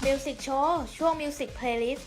Music Show ช่วง Music Playlist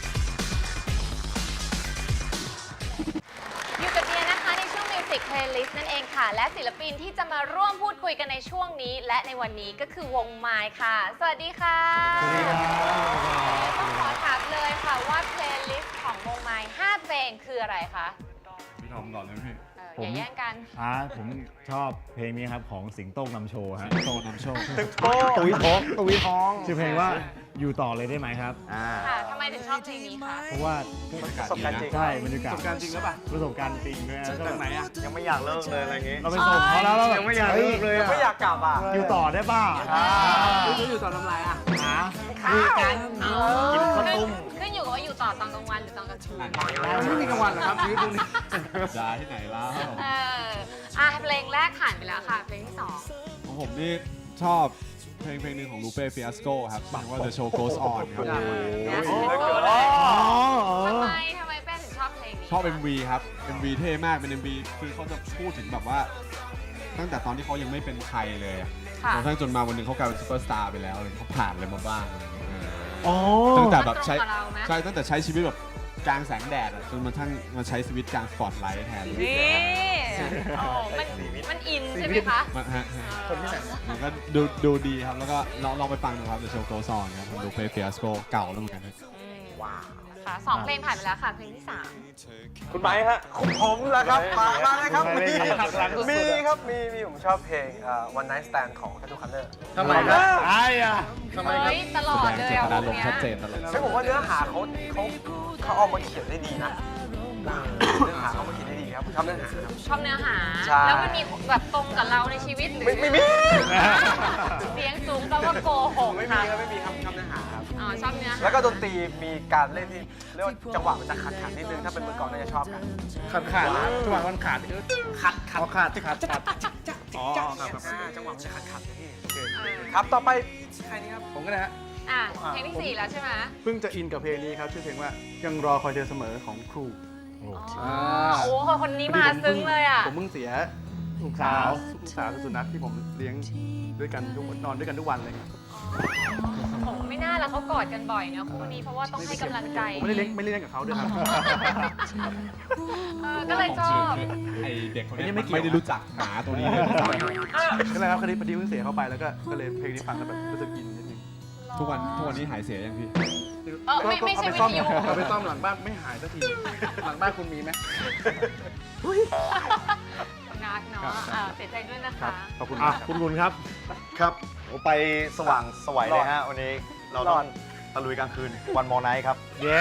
อยู่กับเดียนะคะในช่วง Music Playlist นั่นเองค่ะและศิลปินที่จะมาร่วมพูดคุยกันในช่วงนี้และในวันนี้ก็คือวงไมค์ค่ะสวัสดีค่ะสวัสดีครับต้องขอถามเลยค่ะว่า Playlist ของวงไมค์5เพลงคืออะไรคะพี่ทอมก่อนเลยพี่อย่าแย่งกันผมชอบเพลงนี้ครับของสิงโต้นำโชว์ฮะโตนำโชคตุยท้องชื่อเพลงว่าอยู่ต่อเลยได้ไหมครับค่ะทำไมถึงชอบเพลงนี้คะเพราะว่าประสบการณ์จริงใช่บรรยากาศประสบการณ์จริงหรือเปล่าประสบการณ์จริงด้วยนะจากไหนอ่ะยังไม่อยากเลิกเลยอะไรอย่างงี้เราไปส่งเขาแล้วเราแบบยังไม่อยากเลิกเลยอะไม่อยากกลับอ่ะอยู่ต่อได้ป่ะอยู่ต่อทำไรอ่ะหาคุยกันกินข้าวต้มขึ้นอยู่กับว่าอยู่ต่อตอนกลางวันหรือตอนกลางคืนไม่มีกลางวันหรอครับชีวิตพวกนี้ยาที่ไหนแล้วเพลงแรกผ่านไปแล้วค่ะเพลงที่สองของผมนี่ชอบเพลงหนึ่งของลูเป้ฟิอาสโกครับชื่อว่า The Show Goes On ครับทำไมแป้งถึงชอบเพลงนี้ชอบ MV ครับ MV เท่มากเป็น MV คือเขาจะพูดถึงแบบว่า ตั้งแต่ตอนที่เขายังไม่เป็นใครเลยอะค่ะจนกระทั่งจนมาวันหนึงเขากลายเป็นซูเปอร์สตาร์ไปแล้วอะไรเขาผ่านอะไรมาบ้างอะไรอย่างเงี้ยอ๋อตั้งแต่แบบใช้มันตรงกับเราไหมใช่ตั้งแต่ใช้ชีวิตแบบกลางแสงแดดอะจนมาทั้งมาใช้ชีวิตกลางสปอตไลท์แทนนี่โอ้มันอินใช่ไหมคะมันก็ดูดีครับ แล้วก็ลองไปฟังดูครับ The Show Goes On ครับของลูเป้ฟิอาสโกเก่าแล้วเหมือนกันว้าวค่ะสองเพลงผ่านไปแล้วค่ะเพลงที่สามคุณไม้ฮะผมเหรอครับ มาเลยครับไม่มีได้หักหลังสุดๆมีครับมีผมชอบเพลงOne Night Stand ของ Tattoo Color ทำไมครับไอ้อะทำไมครับเฮ้ยตลอดเลยเจอ่ะตนาวงรมณ์เนี้ยชัดเจนตลอดซึ่งผมว่าเนื้อหาเขาเอามาเขียนได้ดีนะเนื้อหาเขามาเขียนได้ดีครับผมชอบเนื้อหาครับชอบเนื้อหาใช่แล้วมันมีแบบตรงกับเราในชีวิตหรือไม่มีเสียงสูงแปลว่าโกหกไม่มีค่ะครับไม่มีครับชอบเนื้อหาครับอ๋อชอบเนื้อหาแล้วก็ดนตรีมีการเล่นที่เรียกว่าจังหวะมันจะขัดนิดนึงถ้าเป็นมือกลองน่าจะชอบกันขาดจังหวะมันขาดขัดอ๋อครับจังหวะมันจะขัดพี่ครับต่อไปใครนี่ครับผมก็นะฮะอ่ะเพลงที่สี่แล้วใช่ไหมเพิ่งจะอินกับเพลงนี้ครับชื่อเพลงว่ายังรอคอยเธอเสมอของครูอ๋อโอ้โหคนนี้มาซึ้งเลยอ่ะผมเพิ่งเสียลูกสาวลูกสาวสุนัขที่ผมเลี้ยงด้วยกันทุกนอนด้วยกันทุกวันเลยครับผมไม่น่าละเขากอดกันบ่อยเนอะคู่นี้เพราะว่าต้องให้กำลังใจผมไม่ได้เลี้ยงกับเขาด้วยครับก็เลยชอบไอเด็กคนนี้อันนี้ไม่ไม่เกี่ยวได้รู้จักหมาตัวนี้เลยก็เลยครับคดีพอดีเพิ่งเสียเข้าไปแล้วก็เลยเพลงนี้ฟังแล้วแบบรู้สึกอินนิดนึงทุกวันนี้หายเสียยังพี่ไม่ใช่วิทยุเอาไปซ่อมหลังบ้านไม่หายสักทีหลังบ้านคุณมีไหมนักเนาะเสียใจด้วยนะคะขอบคุณอ่ะครับคุณครับครับไปสว่างสวัยเลยฮะ วันนี้เราต้องตะลุยกลางคืนวันมอไนท์ครับเย้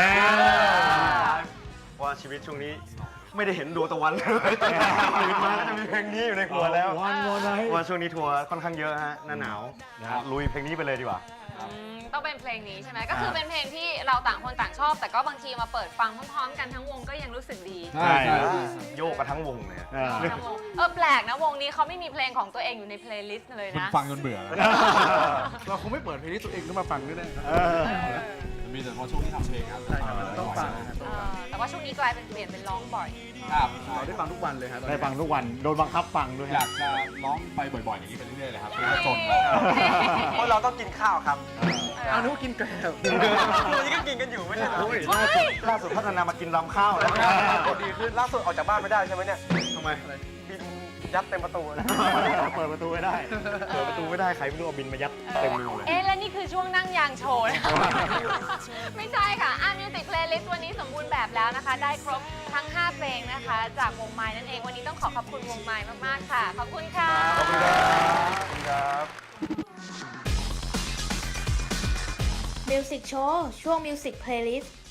ว่าชีวิตช่วงนี้ไม่ได้เห็นดวงตะวันเลยตื่นมาก็จะมีเพลงนี้อยู่ในหัวแล้ววันวอนไนท์ว่าช่วงนี้ทัวร์ค่อนข้างเยอะฮะหน้าหนาวลุยเพลงนี้ไปเลยดีกว่าต้องเป็นเพลงนี้ใช่ไหมก็คือเป็นเพลงที่เราต่างคนต่างชอบ แต่ก็บางทีมาเปิดฟังพร้อมๆกันทั้งวงก็ยังรู้สึกดีใช่ใช่โยกกันทั้งวงเลยทั้งวงแปลกนะวงนี้เขาไม่มีเพลงของตัวเองอยู่ในเพลย์ลิสต์เลยคุณนะฟังจนเบื่อแล้วเราคงไม่เปิดเพลงนี้ตัวเองขึ้นมาฟังด้วยนะมีแต่พอช่วงที่ทำเพลงครับต้องฟังแต่ว่าช่วงนี้กลายเป็นเปลี่ยนเป็นร้องบ่อยครับเราได้ฟังทุกวันเลยฮะได้ฟังทุกวัน โดนบังคับฟังด้วยอยากจะร้องไปบ่อยๆอย่างนี้ไปเรื่อยๆเลยครับเพื่อจนเพราะเราต้องกินข้าวครับเอานึกว่ากินแกลบวันนี้ก็กินกันอยู่ไม่ใช่เหรอล่าสุดพัฒนามากินลำข้าวแล้วดีขึ้นล่าสุดออกจากบ้านไม่ได้ใช่ไหมเนี่ยทำไมบินยัดเต็มประตูเลยเปิดประตูไม่ได้เปิดประตูไม่ได้ใครไม่รู้เอาบินมายัดเต็มรูเลยและนี่คือช่วงนั่งยางโชว์นะคะไม่ใช่ค่ะมิวสิกเพลย์ลิสต์วันนี้สมบูรณ์แบบแล้วนะคะ ได้ครบทั้ง 5 เพลงนะคะ จากวงไม้นั่นเอง วันนี้ต้องขอบคุณวงไม้มากๆค่ะ ขอบคุณค่ะขอบคุณครับ Music Show ช่วง Music Playlist